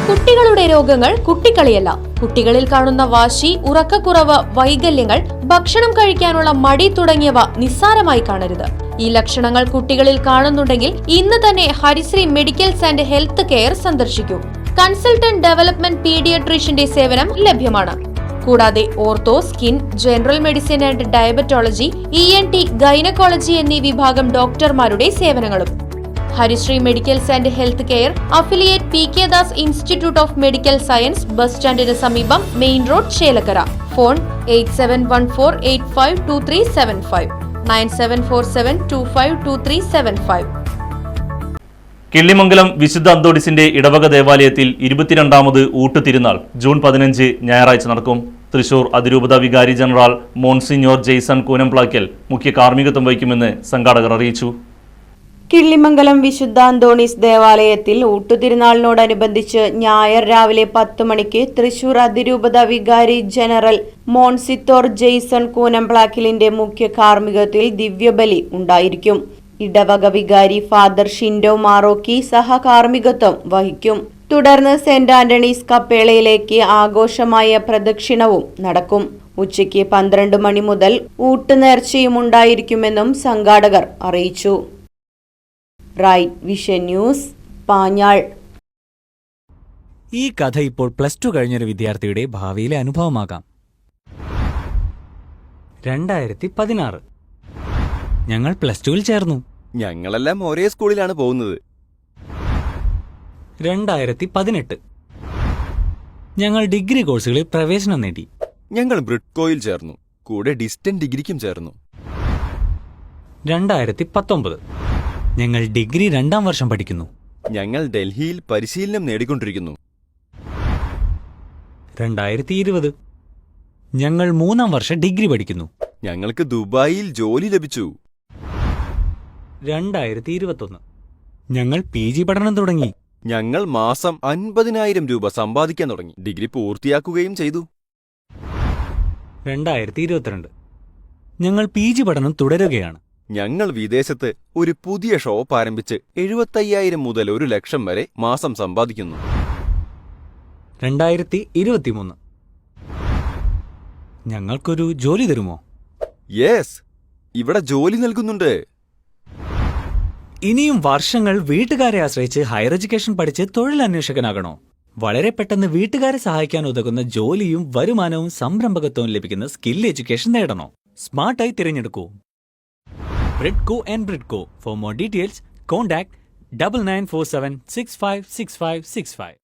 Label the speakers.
Speaker 1: കുട്ടികളുടെ രോഗങ്ങൾ കുട്ടിക്കളിയല്ല. കുട്ടികളിൽ കാണുന്ന വാശി, ഉറക്കക്കുറവ്, വൈകല്യങ്ങൾ, ഭക്ഷണം കഴിക്കാനുള്ള മടി തുടങ്ങിയവ നിസ്സാരമായി കാണരുത്. ഈ ലക്ഷണങ്ങൾ കുട്ടികളിൽ കാണുന്നുണ്ടെങ്കിൽ ഇന്ന് തന്നെ Harisree medicals and health care സന്ദർശിക്കൂ. കൺസൾട്ടന്റ് ഡെവലപ്മെന്റ് പീഡിയാട്രീഷ്യന്റെ സേവനം ലഭ്യമാണ്. കൂടാതെ ortho, skin, general medicine and diabetology, ENT, gynaecology എന്നീ വിഭാഗം ഡോക്ടർമാരുടെ സേവനങ്ങളും. Harisree medicals and health care, affiliate PK Das institute of medical science, bus സ്റ്റാൻഡിന് സമീപം, main road, Chelakkara. Phone 8714852375 9747252375.
Speaker 2: Killimangalam വിശുദ്ധ അന്തോണിസിന്റെ ഇടവക ദേവാലയത്തിൽ 22ാമത് ഊട്ടുതിരുനാൾ ജൂൺ 15 ഞായറാഴ്ച നടക്കും. തൃശൂർ അതിരൂപത വികാരി ജനറൽ മോൺസിഞ്ഞോർ ജെയ്സൺ കൂനംപ്ലാക്കൽ മുഖ്യ കാർമ്മികത്വം വഹിക്കുമെന്ന് സംഘാടകർ അറിയിച്ചു.
Speaker 3: കിള്ളിമംഗലം വിശുദ്ധ അന്തോണീസ് ദേവാലയത്തിൽ ഊട്ടുതിരുനാളിനോടനുബന്ധിച്ച് ഞായർ രാവിലെ 10 മണിക്ക് തൃശൂർ അതിരൂപത വികാരി ജനറൽ മോൺസിത്തോർ ജെയ്സൺ കൂനംപ്ലാക്കലിന്റെ മുഖ്യ കാർമ്മികത്വത്തിൽ ദിവ്യബലി ഉണ്ടായിരിക്കും. ഇടവക വികാരി ഫാദർ ഷിൻഡോ മാറോക്കി സഹകാർമ്മികത്വം വഹിക്കും. തുടർന്ന് സെന്റ് ആന്റണീസ് കപ്പേളയിലേക്ക് ആഘോഷമായ പ്രദക്ഷിണവും നടക്കും. ഉച്ചയ്ക്ക് 12 മണി മുതൽ ഊട്ടുനേർച്ചയും ഉണ്ടായിരിക്കുമെന്നും സംഘാടകർ അറിയിച്ചു. Right vision news, Panjal.
Speaker 4: ഈ കഥ ഇപ്പോൾ +2 കഴിഞ്ഞൊരു വിദ്യാർത്ഥിയുടെ ഭാവിയിലെ അനുഭവമാകാം. 2016 ഞങ്ങൾ +2-ൽ ചേർന്നു.
Speaker 5: ഞങ്ങളെല്ലാം ഒരേ സ്കൂളിലാണ് പോകുന്നത്.
Speaker 4: 2018 ഞങ്ങൾ ഡിഗ്രി കോഴ്സുകളിൽ പ്രവേശനം നേടി.
Speaker 5: ഞങ്ങൾ ബ്രിഡ്കോയിൽ ചേർന്നു. കൂടെ ഡിസ്റ്റന്റ് ഡിഗ്രിക്കും ചേർന്നു.
Speaker 4: 2019 ഞങ്ങൾ ഡിഗ്രി 2ാം വർഷം പഠിക്കുന്നു.
Speaker 5: ഞങ്ങൾ ഡൽഹിയിൽ പരിശീലനം നേടിക്കൊണ്ടിരിക്കുന്നു.
Speaker 4: 2020 ഞങ്ങൾ 3ാം വർഷം ഡിഗ്രി പഠിക്കുന്നു.
Speaker 5: ഞങ്ങൾക്ക് ദുബായിൽ ജോലി ലഭിച്ചു.
Speaker 4: 2021 ഞങ്ങൾ PG പഠനം തുടങ്ങി.
Speaker 5: ഞങ്ങൾ മാസം 50,000 രൂപ സമ്പാദിക്കാൻ തുടങ്ങി. ഡിഗ്രി പൂർത്തിയാക്കുകയും ചെയ്തു.
Speaker 4: 2022 ഞങ്ങൾ PG പഠനം തുടരുകയാണ്.
Speaker 5: ഞങ്ങൾ വിദേശത്ത് ഒരു പുതിയ ഷോപ്പ് ആരംഭിച്ച് 75,000 മുതൽ 1,00,000 വരെ മാസം സമ്പാദിക്കുന്നു.
Speaker 4: 2023 ഞങ്ങൾക്കൊരു ജോലി തരുമോ?
Speaker 5: യെസ്, ഇവിടെ ജോലി നൽകുന്നുണ്ട്.
Speaker 4: ഇനിയും വർഷങ്ങൾ വീട്ടുകാരെ ആശ്രയിച്ച് ഹയർ എഡ്യൂക്കേഷൻ പഠിച്ച് തൊഴിലന്വേഷകനാകണോ? വളരെ പെട്ടെന്ന് വീട്ടുകാരെ സഹായിക്കാൻ ഉതകുന്ന ജോലിയും വരുമാനവും സംരംഭകത്വവും ലഭിക്കുന്ന സ്കിൽ എഡ്യൂക്കേഷൻ നേടണോ? സ്മാർട്ടായി തിരഞ്ഞെടുക്കൂ Bridco and Bridco. For more details contact 9947656565.